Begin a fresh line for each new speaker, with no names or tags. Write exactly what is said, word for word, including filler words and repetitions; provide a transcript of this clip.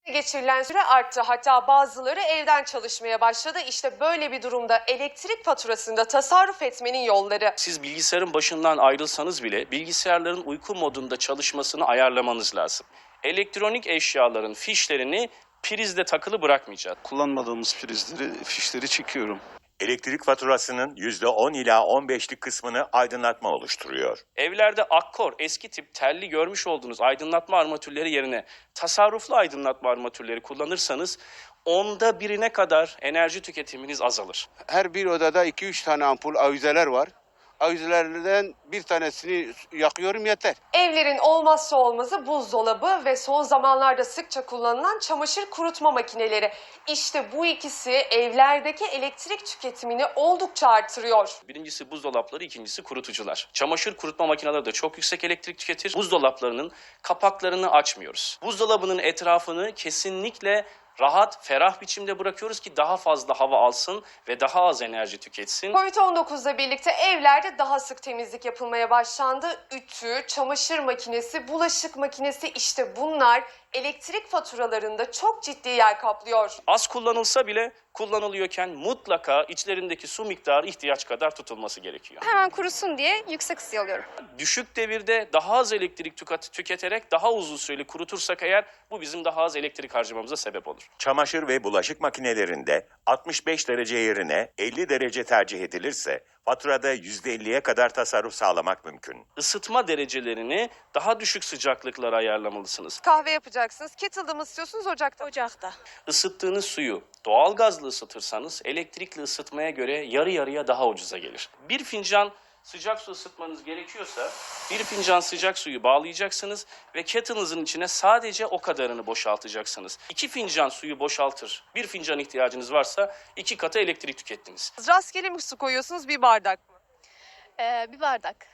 Geçirilen süre arttı. Hatta bazıları evden çalışmaya başladı. İşte böyle bir durumda elektrik faturasında tasarruf etmenin yolları.
Siz bilgisayarın başından ayrılsanız bile bilgisayarların uyku modunda çalışmasını ayarlamanız lazım. Elektronik eşyaların fişlerini prizde takılı bırakmayacağız.
Kullanmadığımız prizleri, fişleri çekiyorum.
Elektrik faturasının yüzde on ila on beşlik kısmını aydınlatma oluşturuyor.
Evlerde akkor, eski tip telli görmüş olduğunuz aydınlatma armatürleri yerine tasarruflu aydınlatma armatürleri kullanırsanız onda birine kadar enerji tüketiminiz azalır.
Her bir odada iki üç tane ampul avizeler var. Avizelerden bir tanesini yakıyorum yeter.
Evlerin olmazsa olmazı buzdolabı ve son zamanlarda sıkça kullanılan çamaşır kurutma makineleri. İşte bu ikisi evlerdeki elektrik tüketimini oldukça artırıyor.
Birincisi buzdolapları, ikincisi kurutucular. Çamaşır kurutma makineleri de çok yüksek elektrik tüketir. Buzdolaplarının kapaklarını açmıyoruz. Buzdolabının etrafını kesinlikle rahat, ferah biçimde bırakıyoruz ki daha fazla hava alsın ve daha az enerji tüketsin.
Covid on dokuzla birlikte evlerde daha sık temizlik yapılmaya başlandı. Ütü, çamaşır makinesi, bulaşık makinesi, işte bunlar elektrik faturalarında çok ciddi yer kaplıyor.
Az kullanılsa bile kullanılıyorken mutlaka içlerindeki su miktarı ihtiyaç kadar tutulması gerekiyor.
Hemen kurusun diye yüksek ısıya alıyorum.
Düşük devirde daha az elektrik tüket- tüketerek daha uzun süreli kurutursak eğer bu bizim daha az elektrik harcamamıza sebep olur.
Çamaşır ve bulaşık makinelerinde altmış beş derece yerine elli derece tercih edilirse faturada yüzde elliye kadar tasarruf sağlamak mümkün.
Isıtma derecelerini daha düşük sıcaklıklara ayarlamalısınız.
Kahve yapacaksınız. Kettle'da mı ısıtıyorsunuz, ocakta mı?
Ocakta.
Isıttığınız suyu doğalgazla ısıtırsanız elektrikli ısıtmaya göre yarı yarıya daha ucuza gelir. Bir fincan sıcak su ısıtmanız gerekiyorsa bir fincan sıcak suyu bağlayacaksınız ve kettle'ınızın içine sadece o kadarını boşaltacaksınız. İki fincan suyu boşaltır. Bir fincan ihtiyacınız varsa iki katı elektrik tükettiniz.
Rastgele mi su koyuyorsunuz, bir bardak mı?
Ee, bir bardak.